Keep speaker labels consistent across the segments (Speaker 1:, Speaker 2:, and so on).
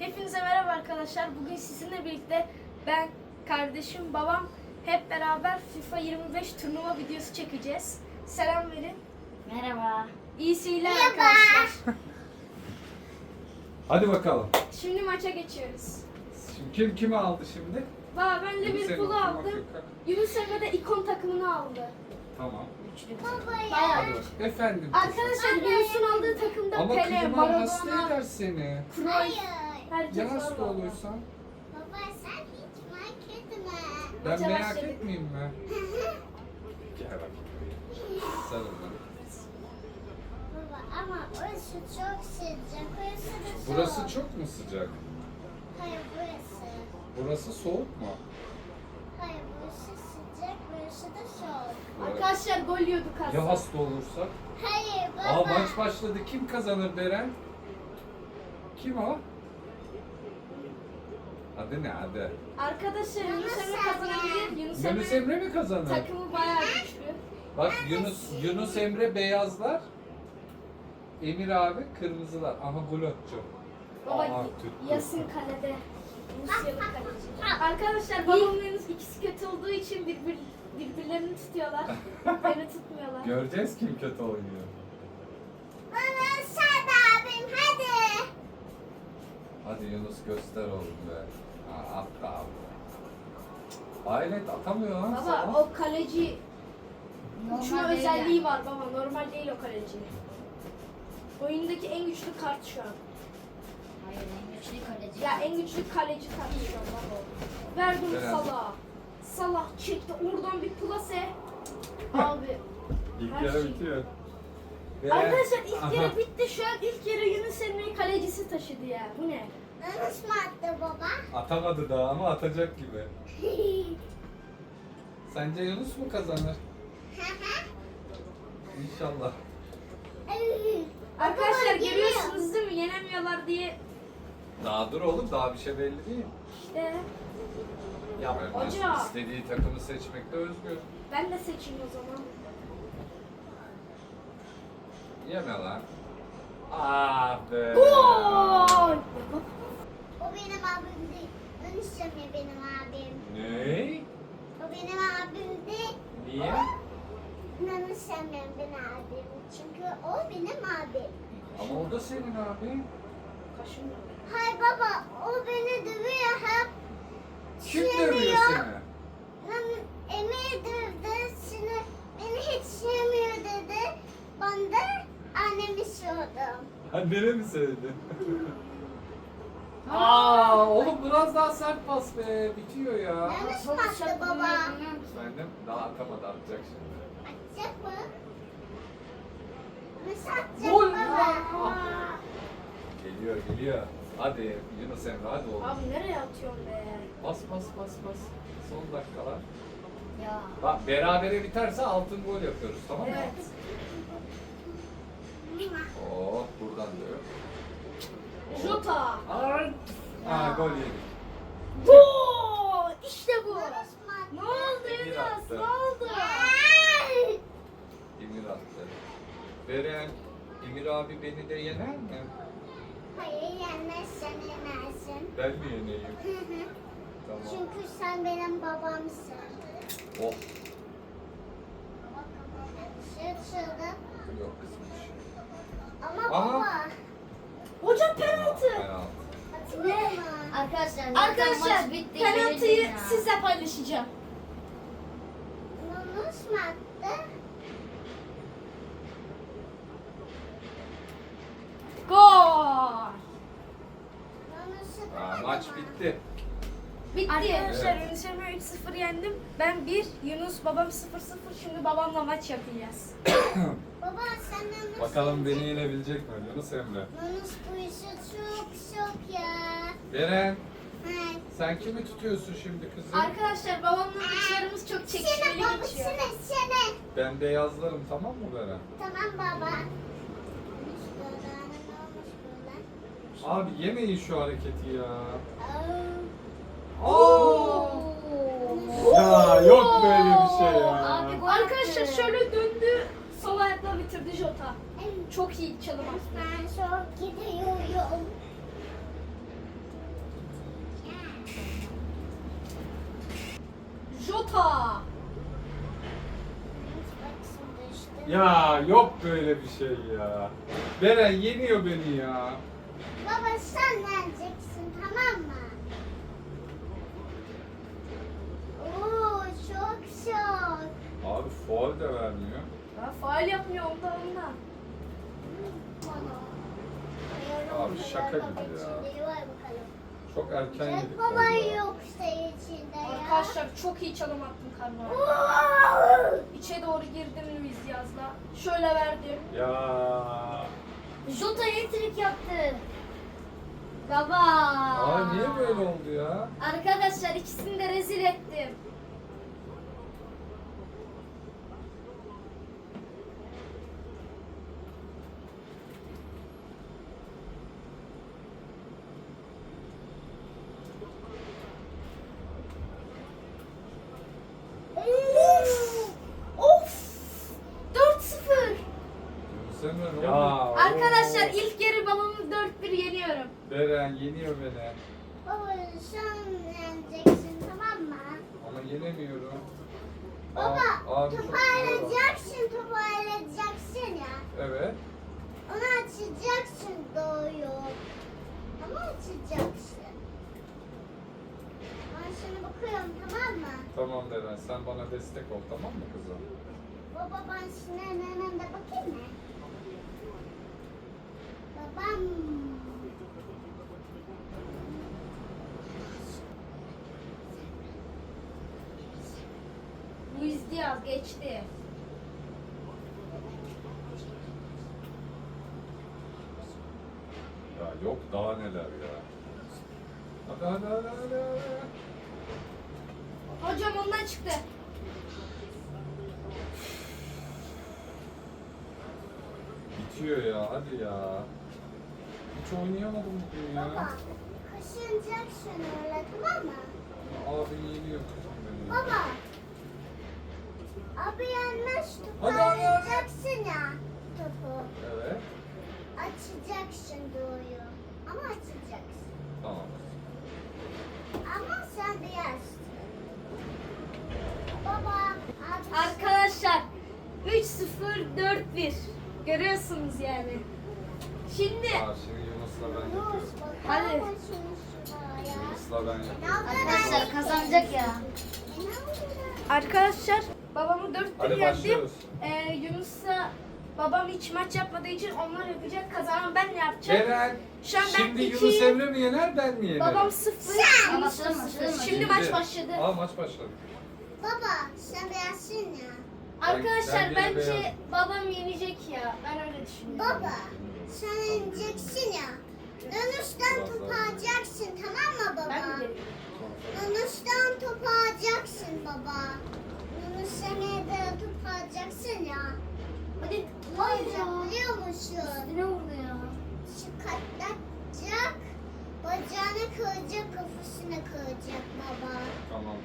Speaker 1: Hepinize merhaba arkadaşlar. Bugün sizinle birlikte ben, kardeşim, babam hep beraber FIFA 25 turnuva videosu çekeceğiz. Selam verin.
Speaker 2: Merhaba.
Speaker 1: İyi seyirler arkadaşlar.
Speaker 3: Hadi bakalım.
Speaker 1: Şimdi maça geçiyoruz.
Speaker 3: Şimdi kimi aldı şimdi?
Speaker 1: Valla ben Liverpool'u aldım.
Speaker 3: Afrika.
Speaker 1: Yunus Emre de ikon takımını aldı.
Speaker 3: Tamam.
Speaker 1: Bayağı
Speaker 3: Hadi
Speaker 1: iyi.
Speaker 3: bakalım. Efendim.
Speaker 1: Arkadaşlar Yunus'un aldığı takımda
Speaker 3: Ama
Speaker 1: Pele,
Speaker 3: klima hasta
Speaker 1: Maradona,
Speaker 3: eder seni.
Speaker 1: Cruyff, herkes
Speaker 3: Ya
Speaker 1: var
Speaker 3: hasta
Speaker 1: valla.
Speaker 3: olursan?
Speaker 2: Baba sen hiç merak etme.
Speaker 3: Ben
Speaker 1: Maça
Speaker 3: merak
Speaker 1: başladık.
Speaker 3: etmeyeyim mi? Gel bakayım. Sarıl bana.
Speaker 2: Baba ama orası çok sıcak. Orası da soğuk.
Speaker 3: Burası çok mu sıcak?
Speaker 2: Hayır burası.
Speaker 3: Burası soğuk mu?
Speaker 2: Hayır burası sıcak. Burası da soğuk.
Speaker 1: Arkadaşlar gol yiyorduk aslında.
Speaker 3: Ya hasta olursak?
Speaker 2: Hayır baba.
Speaker 3: Aa maç başladı. Kim kazanır Beren? Kim o? Adı ne adı?
Speaker 1: Arkadaşlar Yunus Emre kazanabilir.
Speaker 3: Yunus Emre mi kazanır?
Speaker 1: takımı bayağı güçlü.
Speaker 3: Bak Yunus Emre beyazlar. Emir abi kırmızılar. Aha gol atacak.
Speaker 1: Baba
Speaker 3: Aha, tuttu.
Speaker 1: Yasin kalede. Rusya'nın kaleci. Arkadaşlar babamın ikisi kötü olduğu için birbirlerini tutuyorlar. Beni tutmuyorlar.
Speaker 3: Göreceğiz kim kötü oynuyor.
Speaker 2: Baba sen de abim hadi.
Speaker 3: Hadi Yunus göster oğlum be. Ha, attı abi. Hayret atamıyor lan
Speaker 1: Baba
Speaker 3: sana.
Speaker 1: o kaleci uçma
Speaker 2: Normal değil
Speaker 1: özelliği
Speaker 2: yani.
Speaker 1: var baba. Normal değil o kaleci. Oyundaki en güçlü kart şu an.
Speaker 2: Hayır en güçlü kaleci.
Speaker 1: Ya en güçlü kaleci kart şu an baba. Verdim
Speaker 3: Herhalde.
Speaker 1: Salah. Salah çekti oradan bir plase. Abi.
Speaker 3: İlk
Speaker 1: her
Speaker 3: yarı
Speaker 1: şey-
Speaker 3: bitiyor.
Speaker 1: Arkadaşlar ilk
Speaker 3: Aha.
Speaker 1: yarı bitti. Şu an ilk yarı Yunus Emre'yi kalecisi taşıdı ya. Bu ne?
Speaker 2: Nasıl mı attı baba?
Speaker 3: Atamadı daha ama atacak gibi. Sence Yunus mu kazanır? İnşallah.
Speaker 1: Arkadaşlar
Speaker 2: Baba,
Speaker 1: görüyorsunuz değil mi? Yenemiyorlar diye.
Speaker 3: Daha dur oğlum daha bir şey belli değil.
Speaker 1: İşte
Speaker 3: Ya
Speaker 1: Hoca.
Speaker 3: istediği takımı seçmekte özgür.
Speaker 1: ben de seçeyim o zaman.
Speaker 3: Yeme lan. Ah be.
Speaker 1: Gol!
Speaker 2: O benim abim değil. Yunus Emre benim abim.
Speaker 3: Ne?
Speaker 2: O benim abim değil.
Speaker 3: Niye?
Speaker 2: Yunus Emre benim abim. Çünkü o benim abim.
Speaker 3: Ama o da senin abi.
Speaker 1: Kaşın.
Speaker 2: Hayır baba o beni dövüyor hep.
Speaker 3: Kim dövüyor seni?
Speaker 2: Lan Emir dövdü seni. Beni hiç sevmiyor dedi. Ben de annemi sordum.
Speaker 3: Annene mi sevdi? Aa, oğlum biraz daha sert pas be. Bitiyor ya.
Speaker 2: Yanlış mı attı baba?
Speaker 3: Efendim daha atamadı atacak şimdi.
Speaker 2: Atacak mı? Nasıl atacak
Speaker 3: Gol
Speaker 2: baba?
Speaker 3: Geliyor. Hadi Yunus Emre hadi oğlum.
Speaker 1: Abi nereye atıyorsun be?
Speaker 3: Bas. Son dakikalar.
Speaker 2: Ya.
Speaker 3: Bak berabere biterse altın gol yapıyoruz tamam mı?
Speaker 1: Evet.
Speaker 3: Oh buradan diyor.
Speaker 1: Jota.
Speaker 3: Ha gol yedik.
Speaker 1: Gol! İşte bu. Ne oldu
Speaker 3: Emir
Speaker 1: Yunus?
Speaker 3: attı.
Speaker 1: Ne oldu?
Speaker 3: Emir attı. Beren, Emir abi beni de yener mi?
Speaker 2: Hayır yenmezsen yenersin.
Speaker 3: Ben mi yeneyim? Tamam.
Speaker 2: Çünkü sen benim babamsın.
Speaker 3: Oh
Speaker 2: Şaşırdım.
Speaker 3: yok kızmış.
Speaker 2: Ama
Speaker 3: Aha.
Speaker 2: baba.
Speaker 1: Hocam penaltı.
Speaker 3: Penaltı.
Speaker 2: Hatırlıyor musun?
Speaker 1: Arkadaşlar penaltıyı sizle paylaşacağım.
Speaker 2: Yunus mu attı?
Speaker 1: Gol!
Speaker 2: Yunus'u
Speaker 3: Aa, maç bitti.
Speaker 1: Bitti.
Speaker 2: Arkadaşlar,
Speaker 1: Arkadaşlar
Speaker 3: Evet.
Speaker 1: Yunus Emre 3-0 yendim. Ben 1, Yunus babam 0-0. Şimdi babamla maç yapacağız.
Speaker 2: Baba sen Yunus.
Speaker 3: Bakalım beni yenebilecek mi Yunus Emre?
Speaker 2: Yunus bu işi çok ya.
Speaker 3: Beren,
Speaker 2: Evet.
Speaker 3: sen kimi tutuyorsun şimdi kızım?
Speaker 1: Arkadaşlar babamla maçlarımız çok
Speaker 2: Sene
Speaker 1: çekişmeli
Speaker 2: baba
Speaker 1: geçiyor.
Speaker 2: sene.
Speaker 3: Ben beyazlarım tamam mı Beren?
Speaker 2: Tamam baba. Yunus böyle, ne olmuş böyle?
Speaker 3: Abi yemeyin şu hareketi ya.
Speaker 2: Aa.
Speaker 3: Aa! Ya yok böyle bir şey ya.
Speaker 2: Abi, gol
Speaker 1: Arkadaşlar
Speaker 2: attı.
Speaker 1: şöyle döndü. Sol ayakla bitirdi Jota. Çok iyi çalım attı.
Speaker 2: Ben çok gidiyorum.
Speaker 3: Ya yok böyle bir şey ya. Beren yeniyor beni ya.
Speaker 2: Baba sen yeneceksin tamam mı? Oo çok şok.
Speaker 3: Abi faul de vermiyor.
Speaker 1: Ya faal yapmıyor ondan.
Speaker 3: Abi şaka gibi ya. Çok erken
Speaker 2: Jack
Speaker 3: yedik
Speaker 2: baba
Speaker 3: vallahi.
Speaker 2: yok içinde ya.
Speaker 1: Arkadaşlar çok iyi çalım attım karnına.
Speaker 2: Oo!
Speaker 1: İçe doğru girdim Luis Diaz'la. Şöyle verdim.
Speaker 3: Ya.
Speaker 1: Jota hat-trick yaptı. Baba.
Speaker 3: Aa niye böyle oldu ya?
Speaker 1: Arkadaşlar ikisini de rezil ettim. Of! 4-0.
Speaker 3: Sen ne
Speaker 4: Ya.
Speaker 3: oldu?
Speaker 1: Arkadaşlar ilk yarı babamı 4-1 yeniyorum.
Speaker 3: Beren yeniyor beni.
Speaker 2: Baba sen yeneceksin tamam mı?
Speaker 3: Ama yenemiyorum.
Speaker 2: Baba
Speaker 3: Abi çok iyi.
Speaker 2: toparlayacaksın ya.
Speaker 3: Evet.
Speaker 2: Onu açacaksın doğuyor. Ama açacaksın. Ben sana bakıyorum tamam mı?
Speaker 3: Tamam Beren sen bana destek ol tamam mı kızım?
Speaker 2: Baba ben Sinan'ın önünde bakayım mı? Babam.
Speaker 1: Luis Diaz geçti.
Speaker 3: Ya yok daha neler ya. Hadi hadi hadi hadi. hadi.
Speaker 1: Hocam ondan çıktı.
Speaker 3: Bitiyor ya hadi ya. Hiç oynayamadım bugün
Speaker 2: Baba
Speaker 3: ya.
Speaker 2: kaşınacaksın öyle tamam mı?
Speaker 3: Abi yeniyor kızım beni. ya.
Speaker 2: Baba. Abi yanlış
Speaker 3: Hadi, hadi, hadi.
Speaker 2: toparlayacaksın ya topu.
Speaker 3: Evet.
Speaker 2: Açacaksın doğuyu. Ama açacaksın.
Speaker 3: Tamam.
Speaker 2: Ama sen beyazsın. Baba. Abi
Speaker 1: Arkadaşlar 3-0 4-1. Görüyorsunuz yani. Şimdi
Speaker 3: Aa, şimdi Yunus'la ben yapıyorum.
Speaker 2: Yunus bak.
Speaker 1: Hadi.
Speaker 2: Hadi. Şunu şuraya ya.
Speaker 3: Yunus'la ben yapıyorum.
Speaker 2: Arkadaşlar
Speaker 1: kazanacak ya. Arkadaşlar babamı 4-1
Speaker 3: Hadi
Speaker 1: yendim.
Speaker 3: başlıyoruz.
Speaker 1: Yunus'la babam hiç maç yapmadığı için onlar yapacak. Kazanan ben ne yapacağım?
Speaker 3: Beren,
Speaker 1: Şu an ben
Speaker 3: şimdi
Speaker 1: iki-
Speaker 3: Yunus Emre mi yener ben mi yenerim?
Speaker 1: Babam 0. Yunus
Speaker 2: Başladı,
Speaker 1: 0. Şimdi maç başladı.
Speaker 3: Aa maç başladı.
Speaker 2: Baba sen beyazsın ya.
Speaker 1: Arkadaşlar
Speaker 3: Ben gene
Speaker 1: bence
Speaker 3: beyazım.
Speaker 1: babam yenecek ya. Ben öyle düşünüyorum.
Speaker 2: Baba sen ineceksin ya. Dönüşten topu alacaksın tamam mı baba?
Speaker 1: Ben de
Speaker 2: Dönüşten topu alacaksın baba. Dönüş seneye de topu alacaksın ya.
Speaker 1: Hadi.
Speaker 2: Hayır biliyor musun?
Speaker 1: Ne oldu ya?
Speaker 2: Çıkartacak, bacağını kıracak, kafasını kıracak baba.
Speaker 3: Tamam.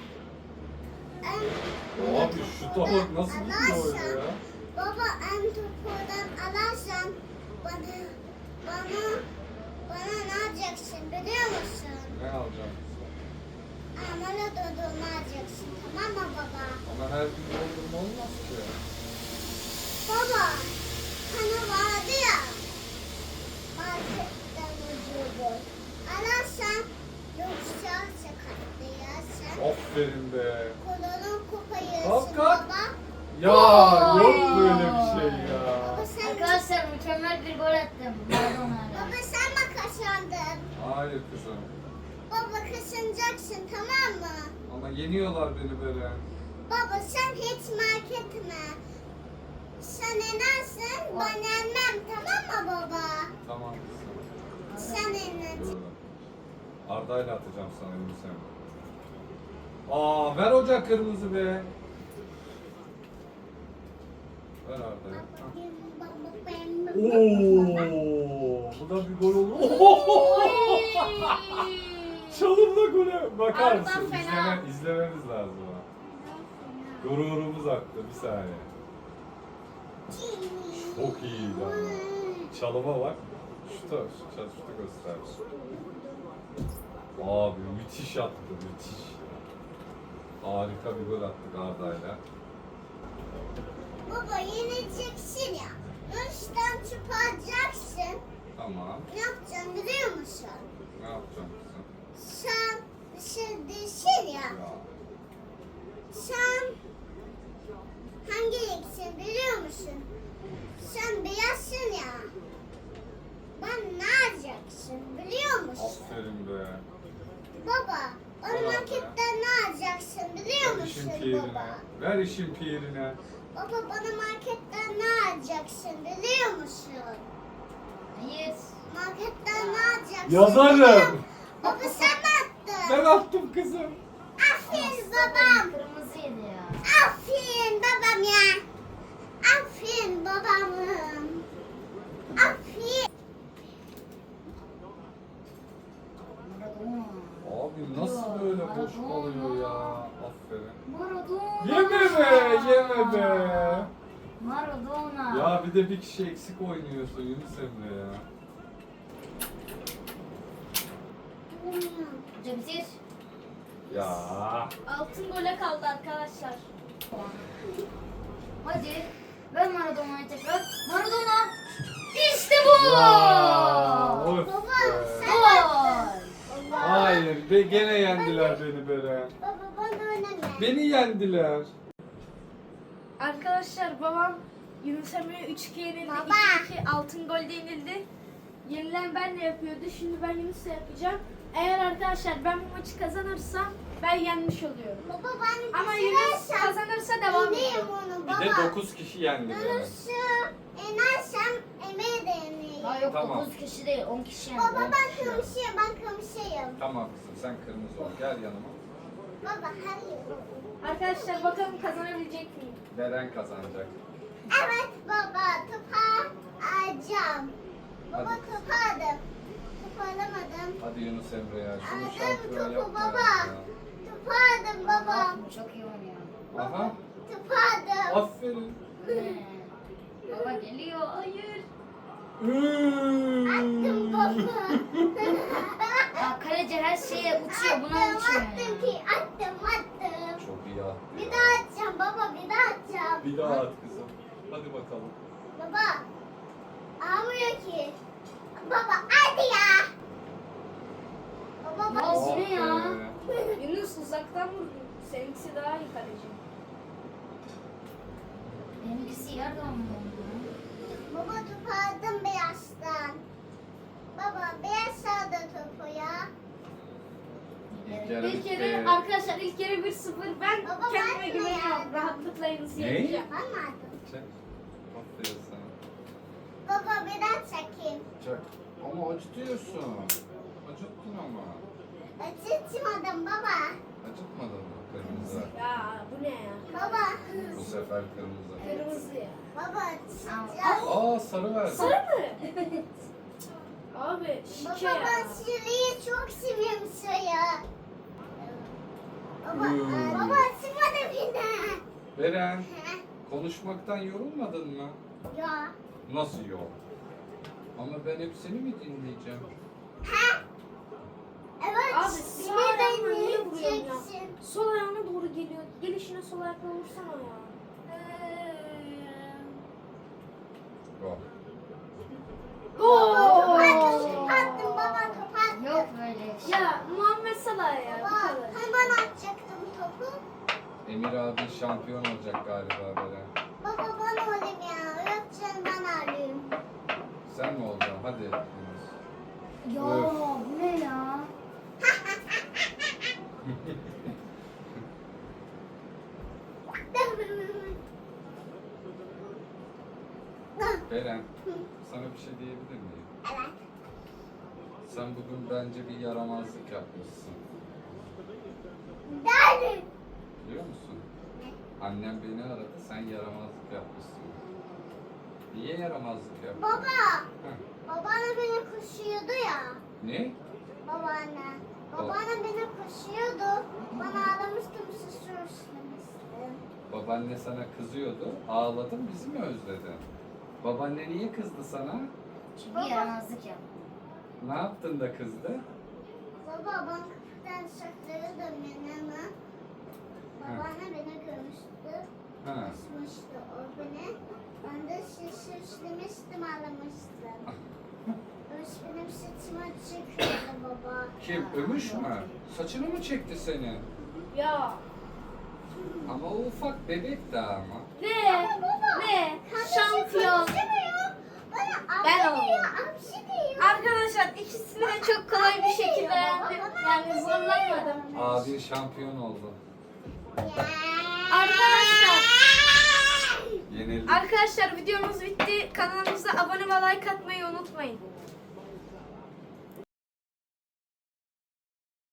Speaker 2: En,
Speaker 3: Abi şu tavuk nasıl gidiyor öyle ya?
Speaker 2: Baba en topudan alarsan bana ne yapacaksın biliyor musun?
Speaker 3: Ne alacağım?
Speaker 2: Amala dondurma alacaksın tamam mı baba?
Speaker 3: Ama her gün doldurma olmaz ki.
Speaker 2: Baba hani vardı ya marketten ucuydu. Alarsan yoksa sakatlayasın.
Speaker 3: Aferin be.
Speaker 2: Kolunu koparırsın
Speaker 3: Kalk, kalk.
Speaker 2: baba.
Speaker 3: Ya
Speaker 1: Oy.
Speaker 3: yok böyle bir şey ya.
Speaker 2: Baba sen,
Speaker 5: Arkadaşlar mükemmel bir gol attım Maradona'yla.
Speaker 2: baba sen mi kazandın?
Speaker 3: Hayır kızım.
Speaker 2: Baba kazanacaksın tamam mı?
Speaker 3: Ama yeniyorlar beni böyle.
Speaker 2: Baba sen hiç merak etme. Sen inersin ben yenmem tamam mı baba?
Speaker 3: Tamam kızım.
Speaker 2: Sen iner.
Speaker 3: Dur. Arda'yla atacağım sana Yunus Emre. Aa ver hoca kırmızı be. Ver Arda'ya. Oo, bu da bir gol oldu. Çalımla gole bakar
Speaker 1: Arda
Speaker 3: mısın?
Speaker 1: fena.
Speaker 3: İzlememiz lazım ha. Gururumuz aktı bir saniye. Çok iyi lan. Çalıma bak. Şutu göster. Abi müthiş attı müthiş. Harika bir gol attık Arda'yla.
Speaker 2: Baba yeneceksin ya. Nurş'tan çöp alacaksın.
Speaker 3: Tamam.
Speaker 2: Ne yapacaksın biliyor musun?
Speaker 3: Ne yapacağım kızım?
Speaker 2: Sen dışarıdasın ya.
Speaker 3: Ya.
Speaker 2: Sen hangi renksin biliyor musun? Sen beyazsın ya. Ben ne alacaksın biliyor musun?
Speaker 3: Aferin be.
Speaker 2: Baba, o
Speaker 3: Baba be.
Speaker 2: marketten ne alacaksın biliyor
Speaker 3: Ver işin
Speaker 2: musun
Speaker 3: pirine.
Speaker 2: baba?
Speaker 3: Ver işin pirine.
Speaker 2: Baba bana marketten ne alacaksın biliyor musun?
Speaker 5: Hayır.
Speaker 2: Marketten ne alacaksın?
Speaker 3: Yazarım.
Speaker 2: Baba sen attın.
Speaker 3: Ben attım kızım.
Speaker 2: Aferin babam.
Speaker 5: Kırmızıydı ya.
Speaker 2: Aferin babam ya. Aferin babamım. Aferin.
Speaker 5: Maradona.
Speaker 3: Abi nasıl böyle boş kalıyor ya? Aferin.
Speaker 5: Maradona.
Speaker 3: Yeme be, yeme be.
Speaker 5: Maradona.
Speaker 3: Ya bir de bir kişi eksik oynuyorsun Yunus Emre ya.
Speaker 5: Cemsir.
Speaker 3: Ya.
Speaker 1: Altın gole kaldı arkadaşlar.
Speaker 5: Hadi. Ver Maradona'yı tekrar. Maradona. İşte bu.
Speaker 3: Ya, of
Speaker 2: Baba,
Speaker 3: be.
Speaker 2: sen-
Speaker 5: Gol.
Speaker 3: Hayır, gene yendiler beni Beren.
Speaker 2: Baba bana oynama.
Speaker 3: Beni yendiler.
Speaker 1: Arkadaşlar babam Yunus Emre'ye 3-2 yenildi.
Speaker 2: Baba.
Speaker 1: 2-2 altın golde yenildi. Yenilen benle yapıyordu. Şimdi ben Yunus'la yapacağım. Eğer arkadaşlar ben bu maçı kazanırsam ben yenmiş oluyorum.
Speaker 2: Baba ben
Speaker 1: Ama Yunus kazanırsa devam
Speaker 2: yeneyim
Speaker 1: ediyor.
Speaker 2: onu
Speaker 3: Bir
Speaker 2: baba.
Speaker 3: de 9 kişi yendi beni.
Speaker 2: Yunus'u yenersem emeğe de yeneyim.
Speaker 5: Daha yok
Speaker 3: Tamam.
Speaker 5: 9 kişi değil 10 kişi yani.
Speaker 2: Baba ben kırmızıyım, ben kırmızıyım.
Speaker 3: Tamam kızım sen kırmızı ol. Gel yanıma.
Speaker 2: Baba hayır.
Speaker 1: Arkadaşlar bakalım kazanabilecek miyim?
Speaker 3: Beren kazanacak.
Speaker 2: Evet baba, topa alacağım. Baba
Speaker 3: Hadi.
Speaker 2: topu aldım. Topu alamadım.
Speaker 3: Hadi Yunus Emre ya. Şunu
Speaker 2: Aldım
Speaker 3: şampiyon
Speaker 2: topu
Speaker 3: yapma
Speaker 2: baba.
Speaker 3: ya.
Speaker 2: Topu aldım baba.
Speaker 5: Çok iyi oynuyor.
Speaker 3: Aha.
Speaker 2: Topu aldım.
Speaker 3: Aferin.
Speaker 5: Baba geliyor. Hayır.
Speaker 2: Attım baba.
Speaker 5: Ya kaleci her şeye uçuyor. Buna
Speaker 2: Attım,
Speaker 5: uçuyor
Speaker 2: attım
Speaker 5: ya.
Speaker 2: ki attım.
Speaker 3: Çok iyi attı
Speaker 2: Bir
Speaker 3: ya.
Speaker 2: daha atacağım baba, bir daha atacağım.
Speaker 3: Bir daha at kızım. Hadi bakalım.
Speaker 2: Baba. Almıyor ki. Baba hadi ya. Baba
Speaker 5: Ya
Speaker 2: bak.
Speaker 5: bu ne ya?
Speaker 3: Aferin.
Speaker 1: Yunus uzaktan vurdu. Seninkisi daha iyi kaleci.
Speaker 5: Benimkisi yerden mi?
Speaker 2: Baba topu aldım beyazdan. Baba beyaz aldı topu ya.
Speaker 3: İlk yarı
Speaker 1: İlk yarı
Speaker 3: bitti.
Speaker 1: arkadaşlar ilk yarı 1-0. Ben
Speaker 2: Baba,
Speaker 1: kendime
Speaker 2: ben de
Speaker 1: güveniyorum.
Speaker 2: yani.
Speaker 1: Rahatlıkla Yunus'u
Speaker 3: Ne?
Speaker 1: yeneceğim.
Speaker 2: Ben mi aldım?
Speaker 3: Çek. Aferin sana.
Speaker 2: Baba bir daha çekeyim.
Speaker 3: Çek. Ama acıtıyorsun. Acıttın ama.
Speaker 2: Acıtmadım baba.
Speaker 3: Acıtmadın mı? Kırmızı.
Speaker 1: Ya bu ne ya?
Speaker 2: Baba.
Speaker 3: Bu sefer kırmızı.
Speaker 1: Kırmızı ya.
Speaker 2: Baba acıtacağım.
Speaker 3: Aa sarı verdi.
Speaker 1: Sarı mı? Abi şike
Speaker 2: Baba
Speaker 1: ya.
Speaker 2: ben sürüyü çok seviyorum suyu. Baba, baba acıtmadı beni.
Speaker 3: Beren, konuşmaktan yorulmadın mı?
Speaker 2: Ya.
Speaker 3: Nasıl yok? Ama ben hep seni mi dinleyeceğim?
Speaker 2: Evet.
Speaker 1: Abi sağ
Speaker 2: beni
Speaker 1: ayağına niye vuruyorsun ya?
Speaker 2: dinleyeceksin.
Speaker 1: Sol ayağına doğru geliyor. Gelişine sol ayakla vursana ya.
Speaker 3: Yok.
Speaker 1: Gol!
Speaker 2: Attım baba topu attım.
Speaker 5: Yok böyle şey.
Speaker 1: Ya Muhammed Salah ya bu
Speaker 2: Baba
Speaker 1: kadar.
Speaker 2: hemen atacaktım topu.
Speaker 3: Emir abi şampiyon olacak galiba Beren.
Speaker 2: Baba ben olayım ya. Yok canım ben alayım.
Speaker 3: Sen mi olacaksın? Hadi. Yunus.
Speaker 5: Ya
Speaker 3: Öf.
Speaker 5: bu ne ya?
Speaker 3: Beren, sana bir şey diyebilir miyim?
Speaker 2: Evet.
Speaker 3: Sen bugün bence bir yaramazlık yapmışsın.
Speaker 2: Derdim.
Speaker 3: Biliyor musun? Annem beni aradı, sen yaramazlık yapmışsın. Niye yaramazlık yaptın?
Speaker 2: Baba.
Speaker 3: Heh.
Speaker 2: Babaanne beni koşuyordu ya.
Speaker 3: Ne?
Speaker 2: Babaanne. Babaanne beni koşuyordu. Bana ağlamıştım susurmuştum.
Speaker 3: Babaanne sana kızıyordu, ağladın, bizi mi özledin? Babaanne niye kızdı sana?
Speaker 5: Çünkü yaramazlık yap.
Speaker 3: Ne yaptın da kızdı?
Speaker 2: Baba ben kapıdan saklıyordum yanıma. Babaanne beni görmüştü. Açmıştı o beni. Ben de şişirmiştim, ağlamıştım. Ömüş benim saçıma çıkıyordu baba.
Speaker 3: Kim? Ömüş mü? Saçını mı çekti seni?
Speaker 1: Ya.
Speaker 3: Ama o ufak bebek daha ama.
Speaker 1: Ne? Ne? Şampiyon. Ben
Speaker 2: Ben
Speaker 1: oldum.
Speaker 2: Amşi diyor.
Speaker 1: Arkadaşlar ikisini de çok kolay bir şekilde yendim. Yani zorlanmadım.
Speaker 3: Abin şampiyon oldu.
Speaker 1: Arkadaşlar
Speaker 3: Yenildi.
Speaker 1: Arkadaşlar videomuz bitti. Kanalımıza abone ve like atmayı unutmayın.